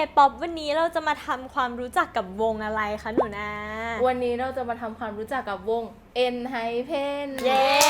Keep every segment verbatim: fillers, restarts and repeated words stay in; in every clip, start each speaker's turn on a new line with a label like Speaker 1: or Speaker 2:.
Speaker 1: ป๊อปวันนี้เราจะมาทำความรู้จักกับวงอะไรคะหนูนา
Speaker 2: วันนี้เราจะมาทำความรู้จักกับวง ENHYPEN
Speaker 1: เย้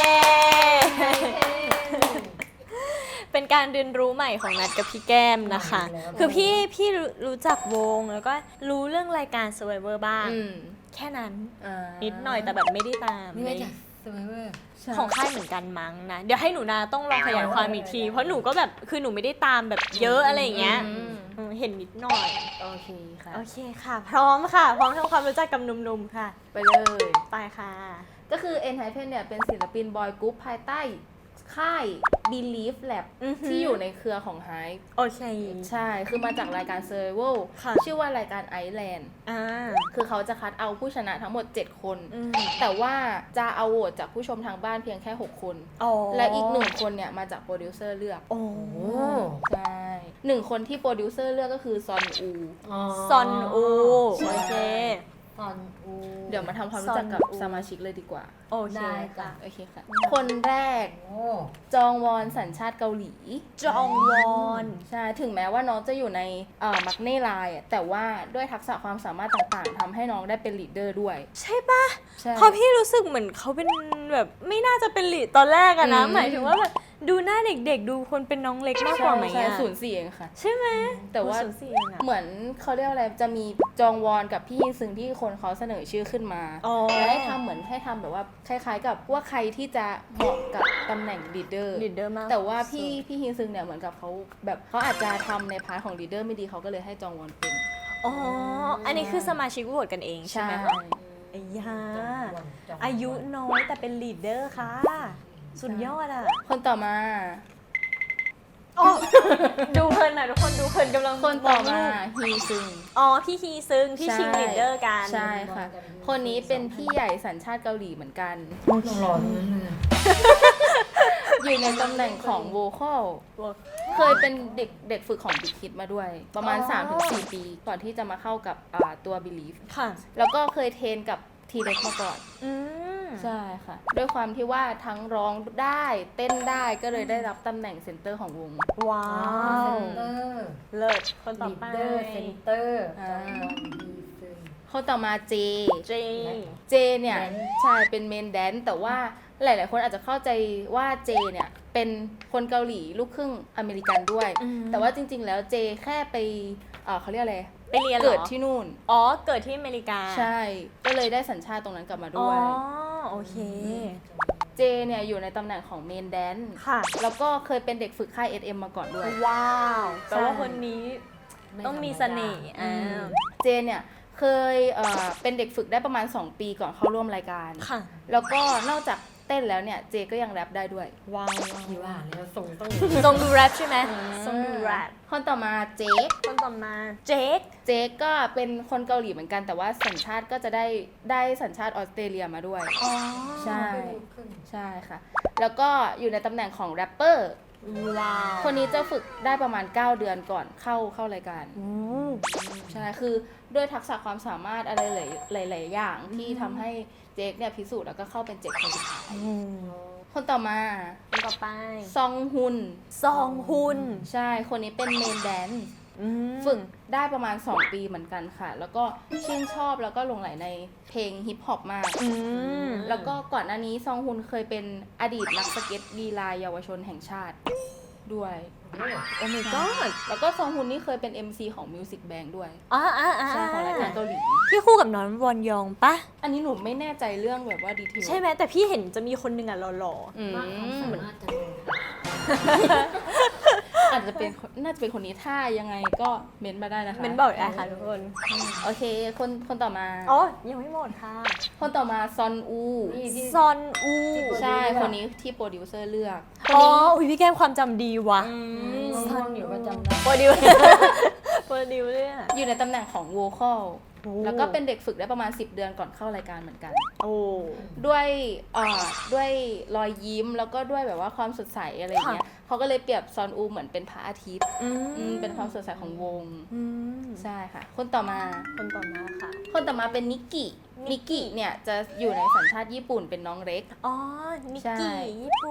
Speaker 1: เป็นการเรียนรู้ใหม่ของนัดกับพี่แก้มนะคะ คือพี่พี่รู้จักวงแล้วก็รู้เรื่องรายการ Survivor บ้างแค่นั้นนิดหน่อยแต่แบบไม่ได้ตาม
Speaker 3: นี่มาจาก Survivor
Speaker 1: ของค่ายเหมือนกันมั้งนะเดี๋ยวให้หนูนาต้องลองขยายความอีกทีเพราะหนูก็แบบคือหนูไม่ได้ตามแบบเยอะอะไรอย่างเงี้ยเห็นนิดหน่อย
Speaker 2: โอเคค่ะ
Speaker 1: โอเคค่ะพร้อมค่ะพร้อมทำความรู้จักกับหนุ่มๆค่ะ
Speaker 2: ไปเลย
Speaker 1: ไปค่ะ
Speaker 2: ก็คือ ENHYPEN เนี่ยเป็นศิลปินบอยกรุ๊ปภายใต้ค่าย Believe Lab ที่อยู่ในเครือของ Hype
Speaker 1: โอเค
Speaker 2: ใช่คือมาจากรายการ Survival ชื่อว่ารายการ Iceland
Speaker 1: อ่า
Speaker 2: คือเขาจะคัดเอาผู้ชนะทั้งหมดเจ็ดคนแต่ว่าจะเอาโหวตจากผู้ชมทางบ้านเพียงแค่หกคนและอีกหนึ่งคนเนี่ยมาจากโปรดิวเซอร์เลือก
Speaker 1: โอ้
Speaker 2: ใช่หนึ่งคนที่โปรดิวเซอร์เลือกก็คือซอนอู
Speaker 1: ซอนอูโอเค
Speaker 3: ซอนอู
Speaker 2: เดี๋ยวมาทำความรู้จักกับสมาชิกเลยดีกว่า
Speaker 1: โอเค
Speaker 3: ค่ะ
Speaker 2: โอเคค่ะคนแรกจองวอนสัญชาติเกาหลี
Speaker 1: จองวอน
Speaker 2: ใช่ถึงแม้ว่าน้องจะอยู่ในมักเน่ไลน์แต่ว่าด้วยทักษะความสามารถต่างๆทำให้น้องได้เป็นลีดเดอร์ด้วย
Speaker 1: ใช่ปะเพราะพี่รู้สึกเหมือนเขาเป็นแบบไม่น่าจะเป็นลีดตอนแรกอะนะหมายถึงว่าแบบดูหน้าเด็กๆดูคนเป็นน้องเล็กมากกว่าไหมอะ
Speaker 2: ศูนย์สี่เองค่ะ
Speaker 1: ใช่ไหม
Speaker 2: แต่ว่าเหมือนเขาเรียกอะไรจะมีจองวอนกับพี่ฮินซึงที่คนเขาเสนอชื่อขึ้นมาแล้วให้ทำเหมือนให้ทำแบบว่าคล้ายๆกับว่าใครที่จะเหมาะกับตำแหน่งลีดเดอร์
Speaker 1: ลีดเดอร์มาก
Speaker 2: แต่ว่าพี่พี่ฮินซึงเนี่ยเหมือนกับเขาแบบเขาอาจจะทำในพาร์ทของลีดเดอร์ไม่ดีเขาก็เลยให้จองวอนเป็น
Speaker 1: อ๋ออันนี้คือสมาชิกโหวตกันเองใช่ไหมคะไอ้ยาอายุน้อยแต่เป็นลีดเดอร์ค่ะสุดยอดอ่ะ
Speaker 2: คนต่อมา
Speaker 1: ดูเพลินหน่อยทุกคนดูเพลินกำลัง
Speaker 2: คนต่อมาฮีซึง
Speaker 1: อ๋อพี่ฮีซึงที่ชิงลีดเดอร์กัน
Speaker 2: ใช่ค่ะคนนี้เป็นพี่ใหญ่สัญชาติเกาหลีเหมือนกัน
Speaker 3: หล่อๆนั่นเลย
Speaker 2: อยู่ในตำแหน่งของโวคอลเคยเป็นเด็กเด็กฝึกของบิ๊กคิดมาด้วยประมาณ สามถึงสี่ ปีก่อนที่จะมาเข้ากับตัว Believe
Speaker 1: ค่ะ
Speaker 2: แล้วก็เคยเทรนกับทีเล็กมาก่อนใช่ค่ะด้วยความที่ว่าทั้งร้องได้เต้นได้ก็เลยได้รับตำแหน่งเซนเตอร์ของวง
Speaker 1: ว้าวเลิศคนต่อไป
Speaker 3: เซนเตอร์
Speaker 2: คนต่อมาเจ
Speaker 1: เจ
Speaker 2: เจเนี่ยใช่เป็นเมนแดนแต่ว่าหลายๆคนอาจจะเข้าใจว่าเจเนี่ยเป็นคนเกาหลีลูกครึ่งอเมริกันด้วยแต่ว่าจริงๆแล้วเจแค่ไปเขาเรียกอะไร
Speaker 1: ไปเรียน
Speaker 2: เกิดที่นู่น
Speaker 1: อ๋อเกิดที่อเมริกา
Speaker 2: ใช่ก็เลยได้สัญชาติตรงนั้นกลับมาด้วย
Speaker 1: อ๋อโอเค
Speaker 2: เจเนี่ยอยู่ในตำแหน่งของเมนแดน
Speaker 1: ค่ะ
Speaker 2: แล้วก็เคยเป็นเด็กฝึกค่าย เอส เอ็ม มาก่อนด้วย
Speaker 1: ว้าวแต่ว่าคนนี้ต้องมีเสน่ห์
Speaker 2: เจเนี่ยเคยเอ่อเป็นเด็กฝึกได้ประมาณสองปีก่อนเข้าร่วมรายการ
Speaker 1: ค่ะ
Speaker 2: แล้วก็นอกจากเต้นแล้วเนี่ยเจก็ยังแรปได้ด้วย
Speaker 1: ว้าว
Speaker 3: ที่ว่าแล้วทรงต้อง
Speaker 1: ทรงดูแรปใช่ไหมทรงดูแรป
Speaker 2: คนต่อมาเจค
Speaker 1: คนต่อมาเจค
Speaker 2: เจคก็เป็นคนเกาหลีเหมือนกันแต่ว่าสัญชาติก็จะได้ได้สัญชาติออสเตรเลียมาด้วย
Speaker 1: อ๋อ
Speaker 2: ใช่ใช่ค่ะแล้วก็อยู่ในตำแหน่งของแรปเปอร์
Speaker 1: ว้าว
Speaker 2: คนนี้จะฝึกได้ประมาณเก้าเดือนก่อนเข้าเข้ารายการใช่คือด้วยทักษะความสามารถอะไรหลายหลายอย่างที่ทำให้เจคเนี่ยพิสูจน์แล้วก็เข้าเป็นเจ็ดคนสุดท้ายคนต่อมา
Speaker 1: คนต่อไป
Speaker 2: ซองฮุน
Speaker 1: ซองฮุน
Speaker 2: ใช่คนนี้เป็นเมนแดนซ์ฝึกได้ประมาณสองปีเหมือนกันค่ะแล้วก็ชื่นชอบแล้วก็หลงใหลในเพลงฮิปฮอปมากแล้วก็ก่อนหน้านี้ซองฮุนเคยเป็นอดีตนักสเก็ตลีลาเยาวชนแห่งชาติด้วย
Speaker 1: โอ้ my god
Speaker 2: แล้วก็ซองฮุนนี่เคยเป็น เอ็ม ซี ของ Music Bank ด้วย
Speaker 1: อ่าอ่าอ่า
Speaker 2: ใช่ของรายการเกาหลี
Speaker 1: พี่คู่กับน้องวอนยองปะ
Speaker 2: อันนี้หนูไม่แน่ใจเรื่องแบบว่าดีเทล
Speaker 1: ใช่ไหมแต่พี่เห็นจะมีคนหนึ่งอ่ะหล่อๆ
Speaker 3: อืมเหมือนอาจจะ
Speaker 2: อาจจะเป็นน่าจะเป็นคนนี้ถ้ายังไงก็เม้นมาได้นะคะ
Speaker 1: เม้นบอกได้ค่ะทุกคน
Speaker 2: โอเคคนคนต่อมา
Speaker 1: อ๋อยังไม่หมดค่ะ
Speaker 2: คนต่อมาซอนอู
Speaker 1: ซอนอู
Speaker 2: ใช่คนนี้ที่โปรดิวเซอร์เลือก
Speaker 1: อ๋ออุ้ยพี่แก้มความจำดีว่ะ
Speaker 3: ซอนอยู่ประจำได้
Speaker 1: โปรดิวโปรดิวเรื่อง
Speaker 2: อยู่ในตำแหน่งของโวคอลแล้วก็เป็นเด็กฝึกได้ประมาณสิบเดือนก่อนเข้ารายการเหมือนกัน
Speaker 1: โอ้
Speaker 2: ด้วยอ่าด้วยรอยยิ้มแล้วก็ด้วยแบบว่าความสดใสอะไรเงี้ยเขาก็เลยเปรียบซอนอูเหมือนเป็นพระอาทิตย์เป็นความสดใสของวงใช่ค่ะคนต่อมา
Speaker 1: คนต่อมาค่ะ
Speaker 2: คนต่อมาเป็นนิกกี้นิกกี้เนี่ยจะอยู่ในสัญชาติญี่ปุ่นเป็นน้องเล็ก
Speaker 1: อ๋อนิกกี้ญี่ปุ่น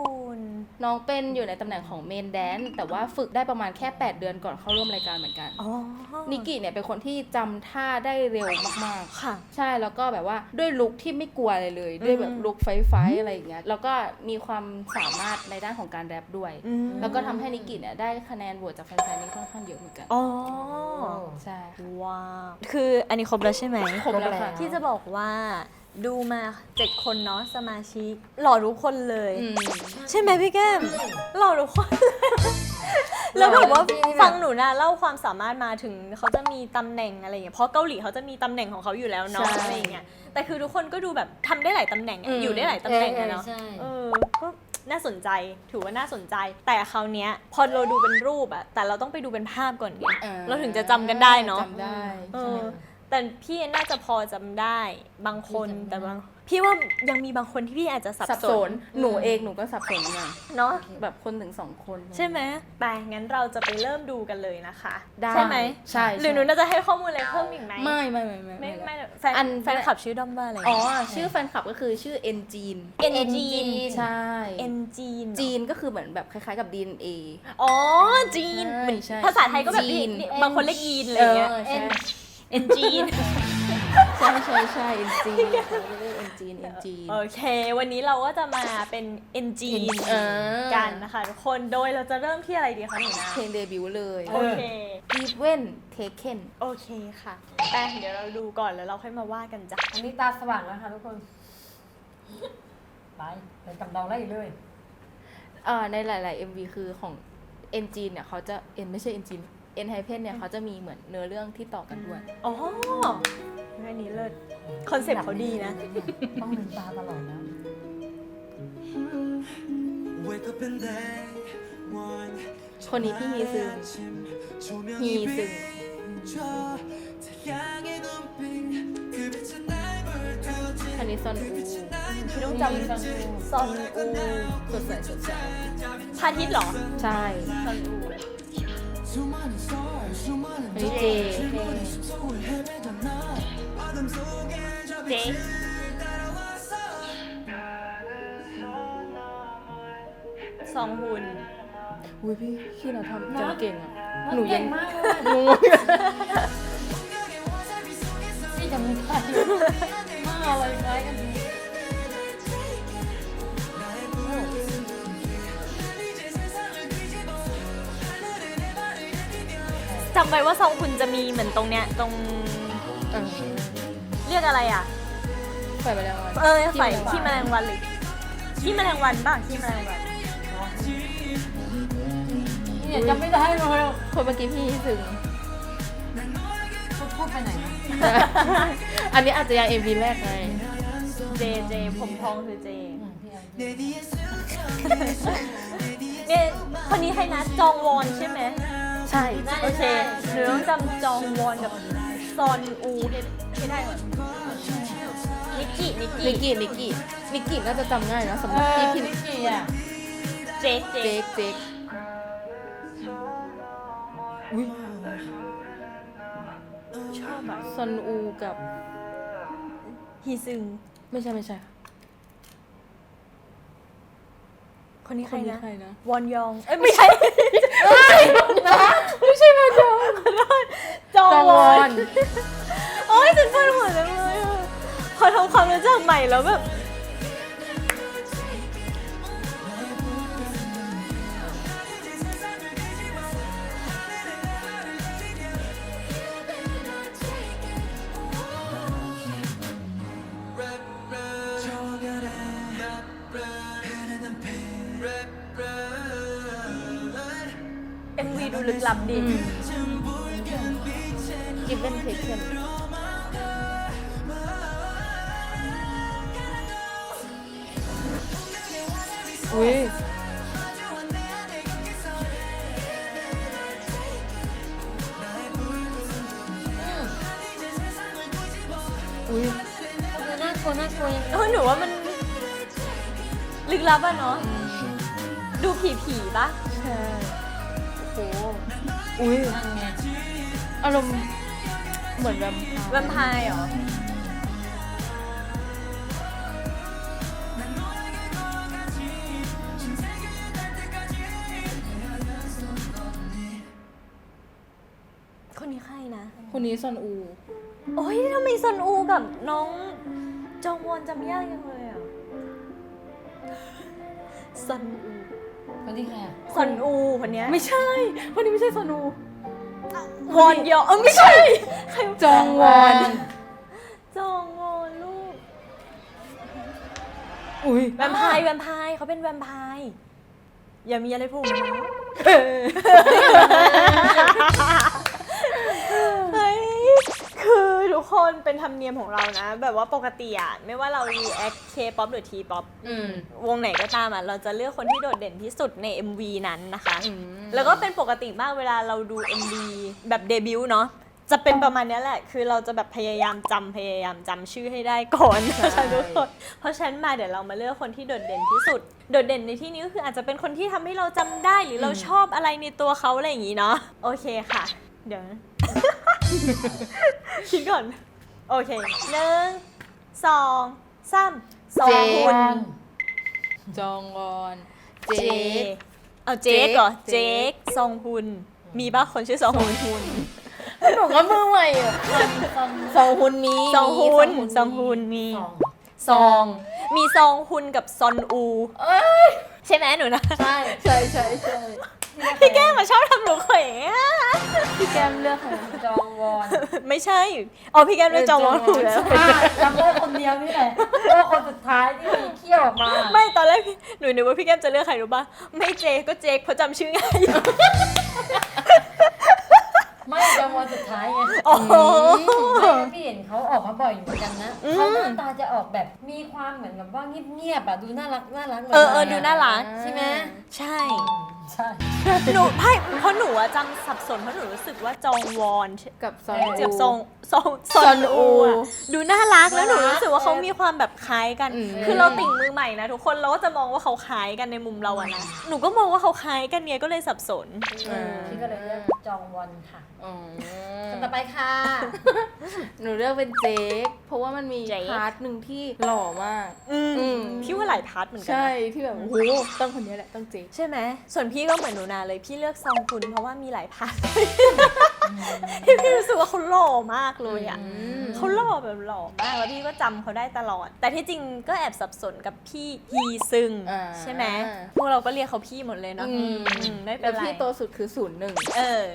Speaker 2: น้องเป็นอยู่ในตำแหน่งของเมนแดนแต่ว่าฝึกได้ประมาณแค่แปดเดือนก่อนเข้าร่วมรายการเหมือนกัน
Speaker 1: อ๋อ
Speaker 2: นิกิเนี่ยเป็นคนที่จำท่าได้เร็วมากๆ
Speaker 1: ค่ะ
Speaker 2: ใช่แล้วก็แบบว่าด้วยลุคที่ไม่กลัวอะไรเลย ด้วยแบบลุคไฟไฟอะไรอย่างเงี้ยแล้วก็มีความสามารถในด้านของการแรปด้วย แล้วก็ทำให้นิกิเนี่ยได้คะแนนโหวตจากแฟนๆนี่ค่อนข้างเยอะเหมือนกัน
Speaker 1: อ๋อ
Speaker 2: ใช่
Speaker 1: ว้าวคืออันนี้ครบแล้วใช่ไหม
Speaker 2: ครบแล้วค่ะ
Speaker 1: ที่จะบอกว่าดูมาเจ็ดคนเนาะสมาชิกหล่อทุกคนเลย
Speaker 2: อืม
Speaker 1: ใช่ไหมพี่แก้มหล่อทุกคน แล้วแบบว่าฟังหนูนะเล่าความสามารถมาถึงเขาจะมีตำแหน่งอะไรอย่างเงี้ยเพราะเกาหลีเขาจะมีตำแหน่งของเขาอยู่แล้วเนาะ
Speaker 2: ใช่
Speaker 1: อะไรอย่างเงี้ยแต่คือทุกคนก็ดูแบบทำได้หลายตำแหน่งอะ
Speaker 2: อืม
Speaker 1: อยู่ได้หลายตำแหน่งอะเนาะ
Speaker 3: ใช่
Speaker 1: เออก็น่าสนใจถือว่าน่าสนใจ แต่คราวเนี้ยพอเราดูเป็นรูปอะแต่เราต้องไปดูเป็นภาพก่อนไง
Speaker 2: ออ
Speaker 1: เราถึงจะจำกันได้เนาะ
Speaker 2: จำได้
Speaker 1: เอ
Speaker 2: ใช่ไห
Speaker 1: อ
Speaker 2: ม
Speaker 1: แต่พี่น่าจะพอจำได้บางคนแต่บางพี่ว่ายังมีบางคนที่พี่อาจจะสับ
Speaker 2: สับ
Speaker 1: ส
Speaker 2: ส
Speaker 1: น
Speaker 2: นหนูเองหนูก็สับสนเหมือนกัน
Speaker 1: เนาะ
Speaker 2: แบบคนถึงสองคน
Speaker 1: ใช่ไหมไปงั้นเราจะไปเริ่มดูกันเลยนะคะ
Speaker 2: ได้
Speaker 1: ใช่ไหม
Speaker 2: ใช่
Speaker 1: หรือหนูน่าจะให้ข้อมูลอะไรเพิ่มอีกไหม
Speaker 2: ไม่ไม่ไม่ไม่
Speaker 1: ไม่
Speaker 2: ไม่
Speaker 1: ไม่
Speaker 2: ไม่
Speaker 1: แฟน
Speaker 2: อัน
Speaker 1: แฟนคลับชื่อด้อมว่าอะไร
Speaker 2: อ๋อชื่อแฟนคลับก็คือชื่อเอ็นจีน
Speaker 1: เอ็นจีน
Speaker 2: ใช่
Speaker 1: เอ็นจีน
Speaker 2: จีนก็คือเหมือนแบบคล้ายๆกับ ดี เอ็น เอ
Speaker 1: อ๋อจีน
Speaker 2: ใช่
Speaker 1: เหมือน
Speaker 2: ใช่
Speaker 1: ภาษาไทยก็แบบ
Speaker 2: จีน
Speaker 1: นี่บางคนเรียกยีนอะไรเงี้ย
Speaker 2: เออใช่
Speaker 1: เอ็นจีน
Speaker 2: ใช่ใช่ใช่เอ็นจีนเขาเรียกเอ็นจีนเอ็นจีน
Speaker 1: โอเค วันนี้เราก็จะมาเป็นเอ็นจีน
Speaker 2: เออ
Speaker 1: กันนะคะทุกคนโดยเราจะเริ่มที่อะไรดีคะหนูนะ
Speaker 2: เพลงเดบิวต์เลย
Speaker 1: โอเค
Speaker 2: Even Taken
Speaker 1: โอเคค่ะแต่เดี๋ยวเราดูก่อนแล้วเราค่อยมาว่ากันจ้ะ
Speaker 3: อันนี้ตาสว่างแล้วค่ะทุกคน ไปไปจำลองได้อีกเลย
Speaker 2: เอ่อในหลาย ๆ เอ็ม วี คือของเอ็นจีนเนี่ยเขาจะเอ็นไม่ใช่เอ็นจีนเอ็นไฮเพนเนี่ยเขาจะมีเหมือนเนื้อเรื่องที่ต่อกันด้วย
Speaker 1: อ๋ออันนี้เลิศคอนเซ็ปต์เขาดีนะ
Speaker 3: ต้องลืมตาตลอดนะ
Speaker 2: คนนี้พี่ฮีซึงฮีซึง คันนี้ซอนอู
Speaker 1: พี่ต้องจำซอนอู
Speaker 2: สดใสสดใส
Speaker 1: พาทิตย์เหรอ
Speaker 2: ใช่
Speaker 1: ซอนอู
Speaker 2: อันนี้เจ
Speaker 1: เจ๊ซองฮุน
Speaker 2: อุ้ยพี่พี่เราทำจำเก่งอ่ะ ห
Speaker 3: ห
Speaker 2: นู
Speaker 3: นู
Speaker 2: ยั
Speaker 3: เก่
Speaker 2: ง
Speaker 3: งมากเลย
Speaker 2: งง
Speaker 3: นี่จำไม่ได้มาอะไรคล้ายกันดี
Speaker 1: จำไว้ว่าซองฮุนจะมีเหมือนตรงเนี้ยตรง
Speaker 2: เออ
Speaker 1: เรียกอะไรอ่ะ
Speaker 2: ใส่ไปแล้ว
Speaker 1: เออใส่ขี้แมลงวันหรือขี้แมลงวันบ้างขี้แมลงวัน
Speaker 3: เนี่ยจำไม่ได้เลย
Speaker 2: คนเมื่อกี้พี่ฮีซึง
Speaker 3: พูดพูดไปไหนนะ
Speaker 2: อันนี้อาจจะยัง เอ็ม วี แรกไง
Speaker 1: เจเจผมทองคือเจ
Speaker 3: อืมพี่แอน
Speaker 1: เนี่ยคนนี้ให้นะจองวอนใช่ไหม
Speaker 2: ใช่
Speaker 1: โอเคหนูต้องจำจองวอนกับซอนอูให้ให้ได้ก่อนนิกกี้นิก
Speaker 2: นิก
Speaker 1: กี้
Speaker 2: กี้นิกกี้นิกกี้น่าจะจำง่ายนะสำห
Speaker 3: เอ
Speaker 2: รับ
Speaker 3: อ
Speaker 2: พี่พี่
Speaker 3: นิกกี้อ่ะ
Speaker 1: เจเจ
Speaker 2: เจ๊กเจ๊กอุ้ย
Speaker 1: ชอบอะ
Speaker 2: ซอนอูกับ
Speaker 1: ฮีซึง
Speaker 2: ไม่ใช่ไม่ใช่
Speaker 1: คนนี้ใครนะ
Speaker 2: ใครนะ
Speaker 1: วอนยองเอ้ยไม่ใช่
Speaker 2: ไม่ใช่มาจอง
Speaker 1: จอง
Speaker 2: จอง
Speaker 1: ว
Speaker 2: ว
Speaker 1: อ
Speaker 2: อน น
Speaker 1: โอ้ยฉันปวดหัวจังเลยอะพอทำความรู้จักใหม่แล้วแบบเอ็มวีดูลึกลับดี
Speaker 2: กิฟเว่นเทคเคนอุ้ยอุ้ย
Speaker 3: คือน่ากลัวน่ากลัวยังไง
Speaker 1: เออหนูว่ามันลึกลับอะเนาะดูผีผีๆปะ
Speaker 2: ใช่
Speaker 1: โอ้โห
Speaker 2: อุ้ย
Speaker 3: นั่นไง
Speaker 2: อารมณ์เหมือนแบบ
Speaker 1: แวมไพร์เหรอคนนี้ใครนะ
Speaker 2: คนนี้ซอนอู
Speaker 1: โอ้ยทำไมซอนอูกับน้องจองวอนจำยากจังเลยอ่ะซอนอู
Speaker 3: คนที่ใครอ่ะ
Speaker 1: ซอนอูคนเนี้ย
Speaker 2: ไม่ใช่คนนี้ไม่ใช่ซอนอู
Speaker 1: วอนยอเออไม่ใช่ใคร
Speaker 2: จองวอน
Speaker 1: จองวอนลูก
Speaker 2: อุ้ย
Speaker 1: แวมไพร์แวมไพร์เขาเป็นแวมไพร์อย่ามีอะไรพูดนะเฮ้ยคือทุกคนเป็นธรรมเนียมของเรานะ แบบว่าปกติอะไม่ว่าเรา react K-pop หรือ T-pop
Speaker 2: อืม
Speaker 1: วงไหนก็ตามอะเราจะเลือกคนที่โดดเด่นที่สุดใน เอ็ม วี นั้นนะคะ
Speaker 2: อืม
Speaker 1: แล้วก็เป็นปกติมากเวลาเราดู เอ็ม วี แบบเดบิวต์เนาะจะเป็นประมาณนี้แหละ คือเราจะแบบพยายามจำพยายามจำชื่อให้ได้ก่อนนะคะทุกคนเพราะฉะนั้นมาเดี๋ยวเรามาเลือกคนที่โดดเด่นที่สุด โดดเด่นในที่นี้ก็คืออาจจะเป็นคนที่ทำให้เราจำได้หรือเราชอบอะไรในตัวเขาอะไรอย่างนี้เนาะโอเคค่ะ เดี๋ยว คิดก่อน โอเคหนึ่งสองสามสอง
Speaker 2: เจ
Speaker 1: คุณ
Speaker 2: จองวอนเจ
Speaker 1: เจ
Speaker 2: ค
Speaker 1: เอาเจคเหรอ
Speaker 2: เจ
Speaker 1: เจ
Speaker 2: ค
Speaker 1: คซองฮุนมีป่ะคนชื่อซองฮุน
Speaker 2: หนูก็มือใหม่อะซองฮุนมี
Speaker 1: ซองฮุนซองฮุนมี
Speaker 3: สอง
Speaker 1: ซอง มีซองฮุนกับซอนอู
Speaker 2: เอ้ย
Speaker 1: ใช่ไหมหนูนะ
Speaker 3: ใช่
Speaker 2: ใช่ใช่ใช่
Speaker 1: พี่แก้มมาชอบทำหนูเขวงอะ
Speaker 2: พี่แก้มเลือกใคร
Speaker 3: จองวอน
Speaker 1: ไม่ใช่อ๋อพี่แก้มเลือกจองวอนถูกแล้ว
Speaker 3: อ่ะจำได้คนเดียวนี่แหละเพราะว่าคนสุดท้ายที่มีเขี้ยวออกมา
Speaker 1: ไม่ตอนแรกพี่หนูนึกว่าพี่แก้มจะเลือกใครรู้ป่ะไม่เจก็เจคเพราะจำชื่อง่าย
Speaker 3: ไม่จองวอนสุดท้ายไง
Speaker 1: โอ้โห
Speaker 3: ไม่พี่เห็นเขาออกมาบ่อยอยู่เหมือนกันนะ
Speaker 1: อืม
Speaker 3: เขาหน้าตาจะออกแบบมีความเหมือนแบบว่าเงียบๆอ่ะดูน่ารักน่ารักหมืน
Speaker 1: เออเออดูน่ารัก
Speaker 3: ใช่ไหม
Speaker 1: ใช่
Speaker 3: ใช่
Speaker 1: หนูไพ่เพราะหนูอะจำสับสนเพราะหนูรู้สึกว่าจองวอน
Speaker 2: กับซอน
Speaker 1: เจ็บ
Speaker 2: อู
Speaker 1: ทรงซองซ
Speaker 2: ซ
Speaker 1: อ
Speaker 2: อน นอู
Speaker 1: อูอะดูน่ารักแล้วหนูรู้สึกว่าเขามีความแบบคล้ายกัน
Speaker 2: อืม
Speaker 1: คือเราติ่งมือใหม่นะทุกคนเราก็จะมองว่าเขาคล้ายกันในมุมเราอะนะหนูก็มองว่าเขาคล้ายกันไงก็เลยสับสน
Speaker 2: อืม
Speaker 3: พี่ก็เลยเลือกจองวอนค่ะ
Speaker 2: อ๋อ
Speaker 3: คนต่อไปค่ะ
Speaker 2: หนูเลือกเป็นเจคเพราะว่ามันมี
Speaker 1: เจค
Speaker 2: พาร์ทหนึ่งที่หล่อมาก
Speaker 1: อืม
Speaker 2: อืม
Speaker 1: พี่ว่าหลายพาร์ทเหมือนกั
Speaker 2: ใช่
Speaker 1: นะ
Speaker 2: ที่แบบโอ้โหต้องคนนี้แหละต้องเจค
Speaker 1: ใช่ไหมส่วนพี่ก็เหมือนหนูนาเลยพี่เลือกซองคุณเพราะว่ามีหลายพาร์ทที่พี่รู้สึกว่าเขาหล่อมากเลยอะ
Speaker 2: ม
Speaker 1: เขาหล่อแบบหล่อมากแล้วพี่ก็จำเขาได้ตลอด แต่ที่จริงก็แอบสับสนกับพี่ฮีซึง
Speaker 2: อ่า
Speaker 1: ใช่ไหมพวกเราก็เรียกเขาพี่หมดเลยเนาะ
Speaker 2: อืม
Speaker 1: อืมไม่เป็
Speaker 2: แล้
Speaker 1: น
Speaker 2: ว
Speaker 1: ไร
Speaker 2: พี่โตสุดคือศูนย์หนึ่ง
Speaker 1: เออ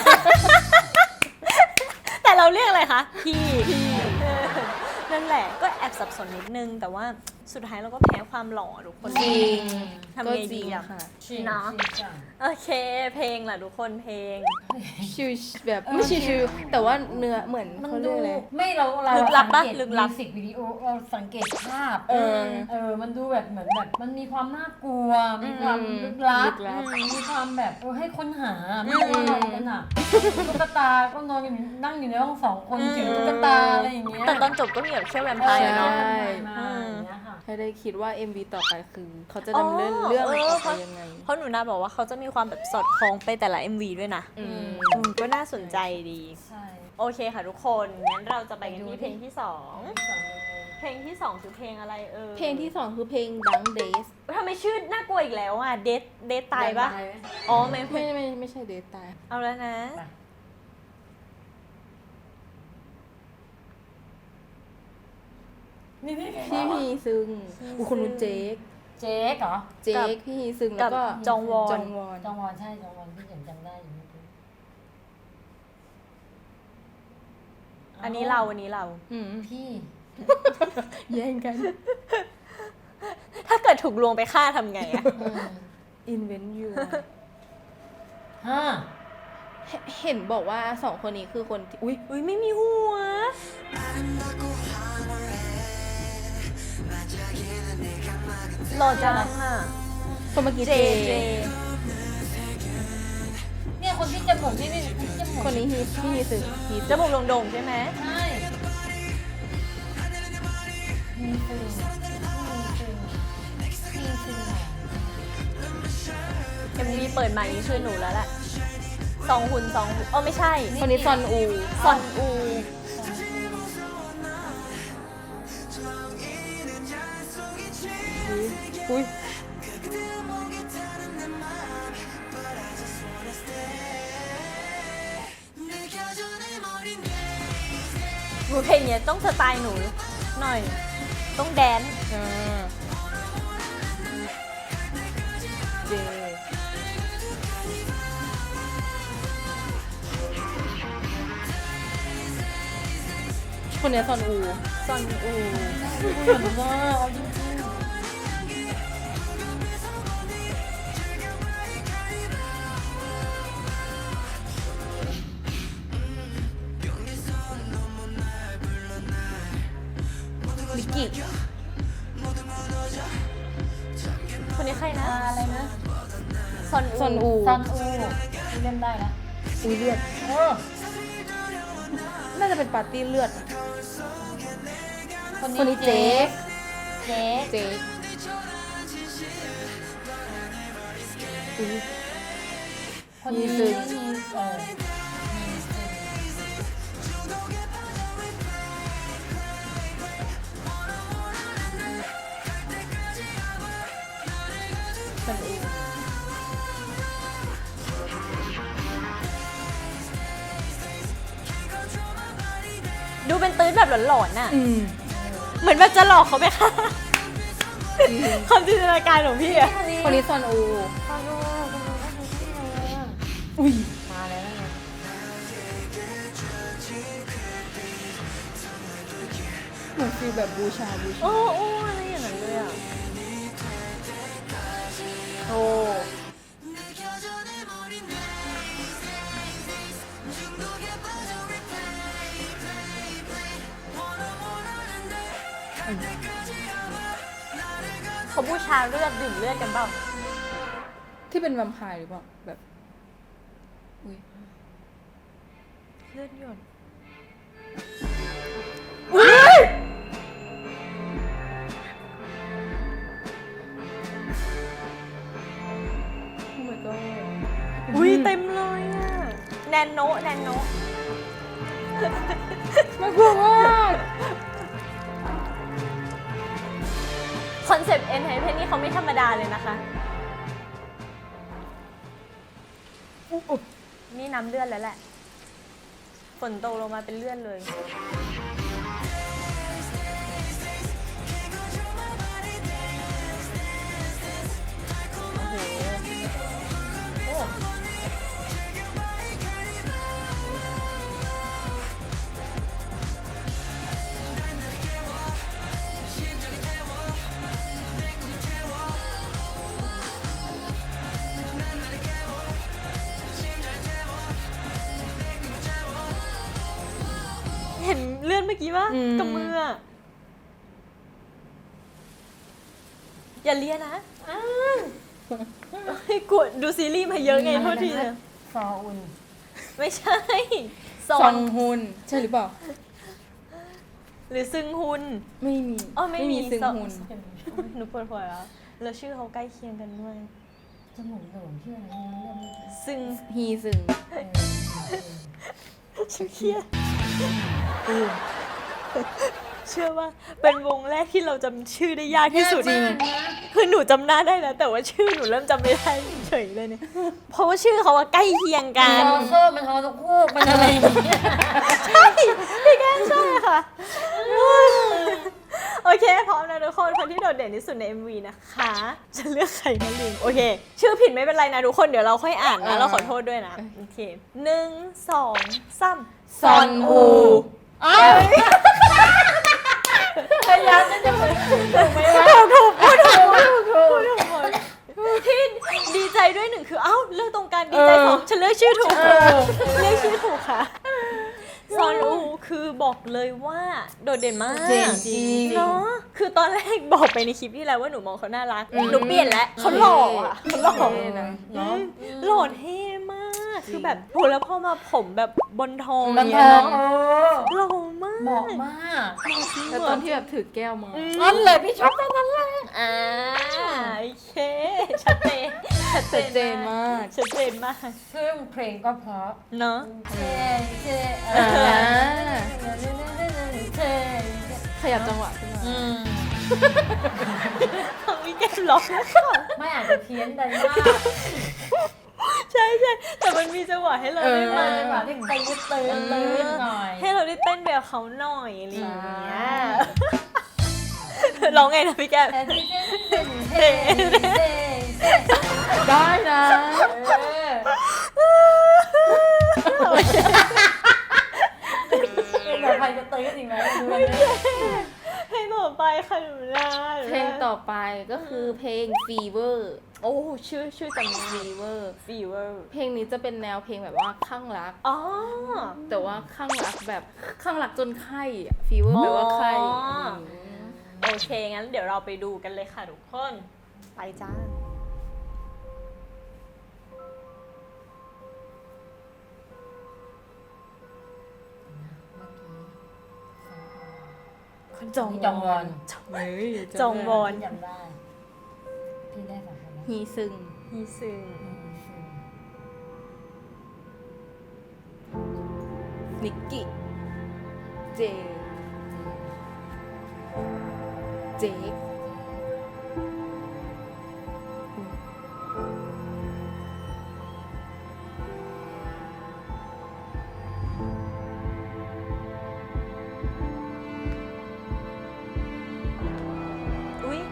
Speaker 1: แต่เราเรียกอะไรคะพี่พี่เออนั่นแหละก็แอบสับสนนิดนึง แต่ว่าสุดท้ายเราก็แพ้ความหล่อทุกคน
Speaker 2: จริง
Speaker 1: ทำ
Speaker 2: ก็
Speaker 1: ไง
Speaker 2: จริ
Speaker 1: ดี
Speaker 2: ง
Speaker 1: อะ
Speaker 2: ค่ะ
Speaker 3: ชิง
Speaker 1: เนาะ
Speaker 3: ชิงจัง
Speaker 1: โอเค เพลงล่ะทุกคนเพลง
Speaker 2: ชิวแบบไม่ชิวๆแต่ว่าเนื้อเหมือน
Speaker 3: มัน
Speaker 2: เขาเรี
Speaker 3: ดู
Speaker 2: ยกอะไร
Speaker 3: ไม่เราเรา
Speaker 1: ลึกลับปะ
Speaker 3: สังเกต
Speaker 1: ลึกลับ
Speaker 3: มิวสิกวิดีโอเราสังเกตภาพ
Speaker 2: เออ
Speaker 3: เออ มันดูแบบเหมือนแบบ มันมีความน่ากลัว มีความ
Speaker 2: อืม
Speaker 3: ลึกลับ
Speaker 2: ลึกลับ
Speaker 3: อืมมีความแบบเออให้ค้นหา ไม่รู้ว่าอะไรกันอ่ะตุ๊กตา ก็นอนอยู่นั่งอยู่ในห้องสองคน
Speaker 1: อืม
Speaker 3: ถือตุ๊กตาอะไรอย่างเงี้ย
Speaker 1: แต่ตอนจบก็มีแบบเชื่อแวมไพร์
Speaker 3: เออ
Speaker 1: เนาะ
Speaker 3: ใช่มาอย่างเงี้ยค่ะ
Speaker 2: ให้ได้คิดว่า เอ็ม วี ต่อไปคือ เขาจะ
Speaker 1: อ๋อ
Speaker 2: ดำเนินเรื่อง
Speaker 1: เออ
Speaker 2: ออก
Speaker 1: เพ
Speaker 2: ไป
Speaker 1: ราะ
Speaker 2: ยังไง
Speaker 1: เพราะหนูนาบอกว่าเขาจะมีความแบบสอดคล้องไปแต่ละ เอ็ม วี ด้วยนะ
Speaker 2: อืม
Speaker 1: อืมก็น่าสนใจดี
Speaker 3: ใช่
Speaker 1: โอเคค่ะทุกคน งั้นเราจะไปกันที่เพลงที่สอง เพลงที่สองคือเพลงอะไรเออ
Speaker 2: เพลงที่สองคือเพลง Dunk Days
Speaker 1: ทำไมชื่อน่ากลัวอีกแล้วอ่ะ เดทเดทตายปะ
Speaker 3: ตายไหม
Speaker 1: อ๋อไม่
Speaker 2: ไม่
Speaker 1: ไม่
Speaker 2: ไม่ไม่ใช่เดทตาย
Speaker 1: เอาแล้วนะ
Speaker 3: ไป นี่นี่
Speaker 2: พี่พีซึงอุยคนนู้นเจค
Speaker 3: เจ๊กเหรอ
Speaker 2: เจคพี่พีซึงแล้วก็
Speaker 1: กับจองวอน
Speaker 2: จองวอน
Speaker 3: จองวอนใช่จองวอนพี่เห็นจำได้อยู่นิดนึง
Speaker 1: อันนี้เราอันนี้เรา
Speaker 2: อืม
Speaker 3: พี่
Speaker 2: แย่งกัน
Speaker 1: ถ้าเกิดถูกลวงไปฆ่าทำไงอะ
Speaker 2: invent you
Speaker 3: ห้า
Speaker 2: เห็นบอกว่าสองคนนี้คือคนที่อุ้ย
Speaker 1: อุ้ยไม่มีหัว หล่อจังอ่ะ
Speaker 2: คนเมื่อกี้
Speaker 1: เจ
Speaker 2: เจ
Speaker 1: เจ
Speaker 3: เนี่ยคนที่จมูกนี่นี่คนที่จมูก
Speaker 2: คนนี้ฮีพี่ฮีซึงฮี
Speaker 1: จ
Speaker 2: ซึง
Speaker 1: มูกโด่งๆใช่ไหม
Speaker 3: ใช่มีซึงมีซึงมีซึง
Speaker 1: เอ็มวีเปิดมานี้ช่วยหนูแล้วแหละซองหุนซองหุนเออไม่ใช่
Speaker 2: คนนี้ซอนอู
Speaker 1: ซอนอู
Speaker 2: อุ้ย
Speaker 4: 느껴져
Speaker 1: เพลงเนี้ยต้องสไตล์หนูหน่อย ต้องแดนซ์
Speaker 2: อ่าเจคนเนี้ยซอนอู
Speaker 1: ซอนอู
Speaker 3: เหมือนว่าเอาจริง
Speaker 2: ลิกิ
Speaker 1: คนนี้ใคร
Speaker 3: ๆ
Speaker 1: นะ
Speaker 3: อ่าอะไรนะ
Speaker 1: ซอน
Speaker 2: ซอน
Speaker 1: อู
Speaker 2: อู
Speaker 3: ซันอูที่เล่นได้นะ
Speaker 2: อุ้ยเลือด
Speaker 3: เออ
Speaker 2: น่าจะเป็นปาร์ตี้เลือด
Speaker 3: คน
Speaker 2: คนนี้
Speaker 3: นี้
Speaker 2: เจ๊
Speaker 3: เจ๊
Speaker 2: เจ๊อุ้ย
Speaker 3: คนนี้
Speaker 2: มีซึ้ง
Speaker 3: มีเออมีซึ้ง
Speaker 2: ซอนอู
Speaker 1: ดูเป็นตื้นแบบหลอนๆน่ะ
Speaker 2: อืม
Speaker 1: เหมือนแบบจะหลอกเขาไหมคะความจินตนาการของพี่อะ
Speaker 2: คนนี้ซอนอู
Speaker 3: ฟังดูฟังดูก็คือที่อะไรอ่ะ
Speaker 2: อุ้ย
Speaker 3: มาแล้วนะ
Speaker 2: เหมือนฟีลแบบบูชาบูชา
Speaker 1: โอ้โอ้อะไรอย่างนั้นเลยอะโอ้ เขาบูชาเลือดดื่มเลือดกันเปล่า
Speaker 2: ที่เป็นแวมไพร์หรือเปล่าแบบ อุ้ย
Speaker 1: เลือดหยด
Speaker 2: โอ้ my god
Speaker 1: อุ้ยเต็มเลยอะแนนโนแนนโน
Speaker 2: น่ากลัวมาก
Speaker 1: คอนเซปต์เอ็นไฮเพนนี่เขาไม่ธรรมดาเลยนะคะ นี่น้ำเลือดแล้วแหละ ฝนตกลงมาเป็นเลือดเลย โอ้โห โอ้ เห็นเลือดเมื่อกี้ปะ
Speaker 2: อืม
Speaker 1: กับมืออะอย่าเลียนะอ้าวเฮ้ยกลัวดูซีรีส์มาเยอะไงโทษทีนะ
Speaker 3: ซออุน
Speaker 1: ไม่ใช่ซ
Speaker 2: ซ
Speaker 1: อ
Speaker 2: อน งฮุน ใช่หรือเปล่า
Speaker 1: หรือซึงฮุน
Speaker 2: ไม่มี
Speaker 1: อ๋อไม่มี
Speaker 2: ซึง
Speaker 1: ซอ
Speaker 2: ฮุน
Speaker 1: โอ๊ยหนูปวดหัวแล้ว แล้วชื่อเขาใกล้เคียงกันด้วย
Speaker 3: จมูกโด่งชื่ออะไรนะเรื่องนี้
Speaker 1: ซึง
Speaker 2: ฮีซึง
Speaker 3: เออ
Speaker 1: ชื่อเครียดเชื่อว่าเป็นวงแรกที่เราจำชื่อได้ยากที่สุด
Speaker 3: จริง
Speaker 1: คือหนูจำหน้าได้นะแต่ว่าชื่อหนูเริ่มจำไม่ได้เฉยเลยเนี่ย เพราะว่าชื่อเขาว่าใกล้เคียงกั
Speaker 3: มัน
Speaker 1: น
Speaker 3: ฮอโซ่มันฮอตะคูกมันอะไรอย่างเงี้ย
Speaker 1: ใช่พี่แก้มใช่ค่ะ โอเคพร้อมนะทุกคนคนที่โดดเด่นที่สุดใน เอ็ม วี นะคะจะเลือกใครมาลืมโอเค ชื่อผิดไม่เป็นไรนะทุกคนเดี๋ยวเราค่อยอ่านนะเราขอโทษด้วยนะโอเคหนึ่งสองสาม
Speaker 2: ซอนอู
Speaker 1: อ้าว
Speaker 3: พยายามจะพูดถูกไหมวะ
Speaker 1: ถูกพูดถูกพูดถูกหมดที่ดีใจด้วยหนึ่งคือเอ้าเลือกตรงกันดีใจสองฉันเลือกชื่อถูกเลือกชื่อถูกค่ะซอนอูคือบอกเลยว่าโดดเด่นมาก
Speaker 2: เจ๋งจริง
Speaker 1: เนาะคือตอนแรกบอกไปในคลิปที่แล้วว่าหนูมองเขาน่ารักหนูเปลี่ยนแล้วเขาหล่ออ่ะเขาหล่อ
Speaker 2: เท่นะ
Speaker 1: อืมหล่อเท่มาก คือแบบโหแล้วพอมาผมแบบบนทอง
Speaker 3: มัน
Speaker 1: เนี้
Speaker 3: ท
Speaker 1: ย
Speaker 3: องเออ
Speaker 1: หล่อมาก
Speaker 3: เหมาะมาก
Speaker 2: แล้วตอนที่แบบถือแก้วมา
Speaker 3: นั่นเลยพี่ชอบนั่นแหละ
Speaker 1: อ่าโอเคชัดเจนชัด
Speaker 2: ชัดเจนมาก
Speaker 1: ชัดเจนมาก
Speaker 3: ซึ่งเพลงก็เพราะ
Speaker 1: เนาะ
Speaker 3: เท่เท่
Speaker 2: อ่า
Speaker 3: เท่
Speaker 2: ขยับจังหวะขึ้นมา
Speaker 3: อืม
Speaker 1: ฟังพี่แก้มร้องแล้วค่ะ
Speaker 3: ไม่อาจจะเพี้ยนไปมาก
Speaker 1: ใช่ช่ใช่แต่มันมีจังหวะให้เราได้
Speaker 3: เอ
Speaker 1: มา
Speaker 3: อจังหวะที่เต้นเต้นเต้นหน่อย
Speaker 1: ให้เราได้เต้นแบบเขาหน่อยอะไรอย่างเงี้ยร้องไงนะพี่แก้ม
Speaker 3: แต่ที่เต้นเต้นเต้นเต้นเต้น
Speaker 2: ได้นะ
Speaker 3: เออเป็นแบบใครจะเต้นจริงไหมดูเลย
Speaker 1: ให้ต่อไปค่ะหนูนา
Speaker 2: เพลงต่อไปก็คือเพลง Fever
Speaker 1: โอ้ชื่อชื่อจำ
Speaker 2: Fever
Speaker 1: Fever
Speaker 2: เพลงนี้จะเป็นแนวเพลงแบบว่าคลั่งรัก
Speaker 1: อ๋อ
Speaker 2: แต่ว่าคลั่งรักแบบคลั่งรักจนไข้อะ Fever แปลว่าไข้
Speaker 1: อ๋อ
Speaker 2: ม
Speaker 1: โอเคงั้นเดี๋ยวเราไปดูกันเลยค่ะทุกคนไปจ้าคนจอง
Speaker 3: จองวอน
Speaker 2: เฮ้ย
Speaker 1: จองวอน
Speaker 3: จำได้พี่ได้สองคนนะ
Speaker 2: ฮีซึง
Speaker 1: ฮีซึง
Speaker 2: นิกกี้เจเจค
Speaker 1: อุ้ย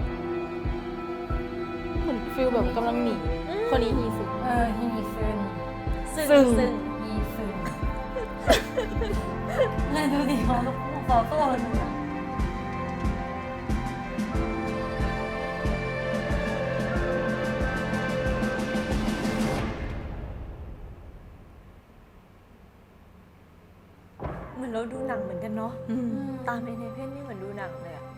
Speaker 2: เหมือนฟิลแบบกำลังหนีคนนี้ฮีซึง
Speaker 3: เออฮีซึน
Speaker 1: ซึง
Speaker 2: ซึง
Speaker 1: ซึง
Speaker 3: ฮีซึนเลยดูดิเขาต่อตัวกัน
Speaker 1: เหมือนเราดูหนังเหมือนกันเนาะตามในในเพจนี่เหมือนดูหนังเลยอะ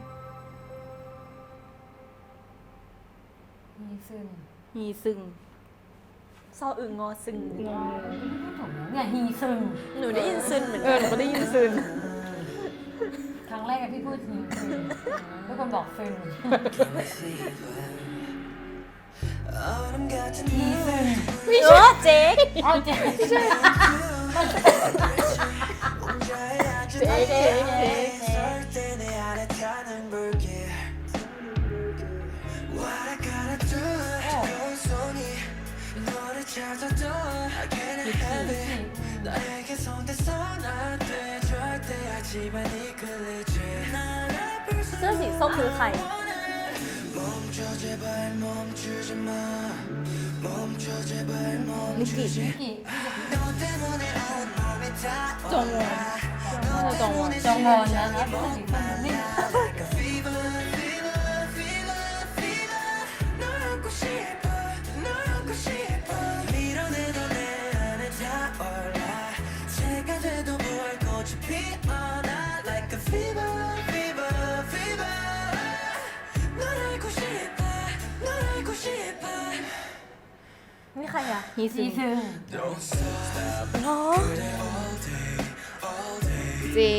Speaker 3: ฮีซึน
Speaker 2: ฮีซึง
Speaker 1: ซออึงงอซึง
Speaker 3: ไม่ถูกนะเนี่ยฮีซึน
Speaker 1: หนูได้ยินซึนเหมือน
Speaker 2: เอ
Speaker 1: กั
Speaker 2: อน หนูก็ได้ยินซึง
Speaker 3: ครั้งแรกอะพี่พูดฮีซึนทุกคนบอกซึนฮีซึน
Speaker 1: เออเจ๊ก
Speaker 3: อ๋อเจ๊ใช่
Speaker 2: เจ๊เจ๊เจ๊
Speaker 1: เสื้อสีส้มคือใคร
Speaker 2: นิกกี้
Speaker 3: กี่
Speaker 2: จงวอนน่าจะจงวอน
Speaker 3: จองวอนนะนะพูดถึงคนนี้
Speaker 1: นี่ใครอะ
Speaker 2: ฮีซึ
Speaker 3: ฮี
Speaker 2: ง
Speaker 3: ซึน
Speaker 1: เนาะ
Speaker 2: เจ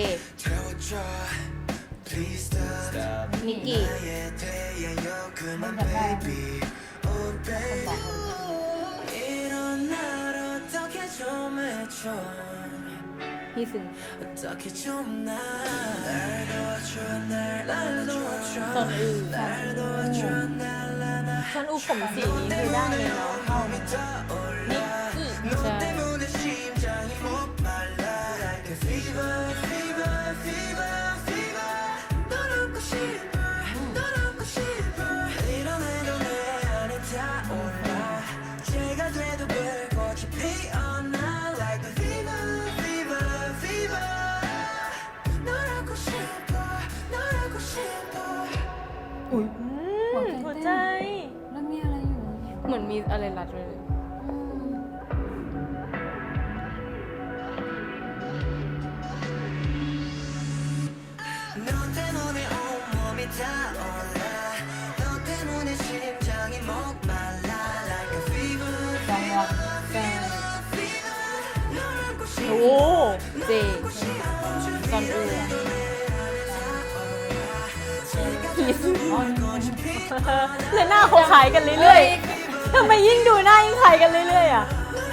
Speaker 2: นิกกี้
Speaker 3: มันจะได้คนบอก
Speaker 2: ฮีซึงซอนอือ
Speaker 1: ฉันอูผมสีนี้คือได้เลยเนาะเข้านิกกี้
Speaker 2: ใช่อุ้ย
Speaker 1: อืมหัวใจ
Speaker 3: แล้วมีอะไรอยู่
Speaker 2: เหมือนมีอะไรรัดเลย
Speaker 3: จองวอน
Speaker 2: โอ้เจซอนอือฮีซึง
Speaker 3: อ๋อ
Speaker 1: แล้วหน้าเขาคล้ายกันเรื่อยๆทำไมยิ่งดูหน้ายิ่งคล้ายกันเรื่อยๆอ่ะ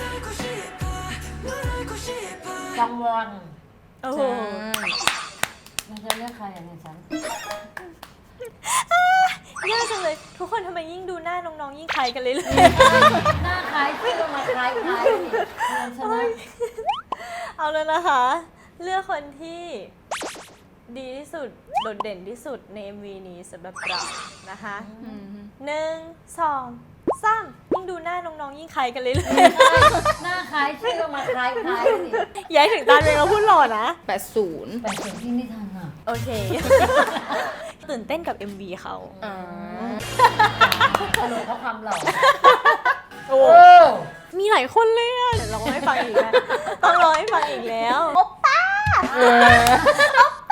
Speaker 3: จองวอน
Speaker 1: โอ้โห
Speaker 2: ใช่
Speaker 3: มันจะเลือกใครอ่ะเนี่ยฉัน
Speaker 1: ยากจังเลย ทุกคนทำไมยิ่งดูหน้าน้องๆยิ่งคล้ายกันเลยเลย
Speaker 3: หน้าคล้ายชื่อก็มาคล้ายคล้ายนี่ชนะ
Speaker 1: เอาเลยนะคะ เลือกคนที่ดีที่สุดโดดเด่นที่สุดใน เอ็ม วี นี้สำหรับเรานะคะหนึ่งสองสามยิ่งดูหน้าน้องๆยิ่งคล้ายกันเลยเลย
Speaker 3: หน้าคล้ายชื่อก็มาคล้ายคล้ายนี่
Speaker 1: ย้ายถึงตาเองเราพูดหล่อนะ
Speaker 2: แปดศูนย์
Speaker 3: แต่เสียงที่ไม่ทันอ่ะ
Speaker 1: โอเค ตื่นเต้นกับ เอ็ม วี เขา
Speaker 2: อ่า
Speaker 3: ตลกเพราะความหล่อ
Speaker 1: โอ้
Speaker 3: โอ้
Speaker 1: มีหลายคนเลยอะเดี๋ยวเราให้ฟังอีกนะต้องรอให้ฟังอีกแล้ว โอป้า โอ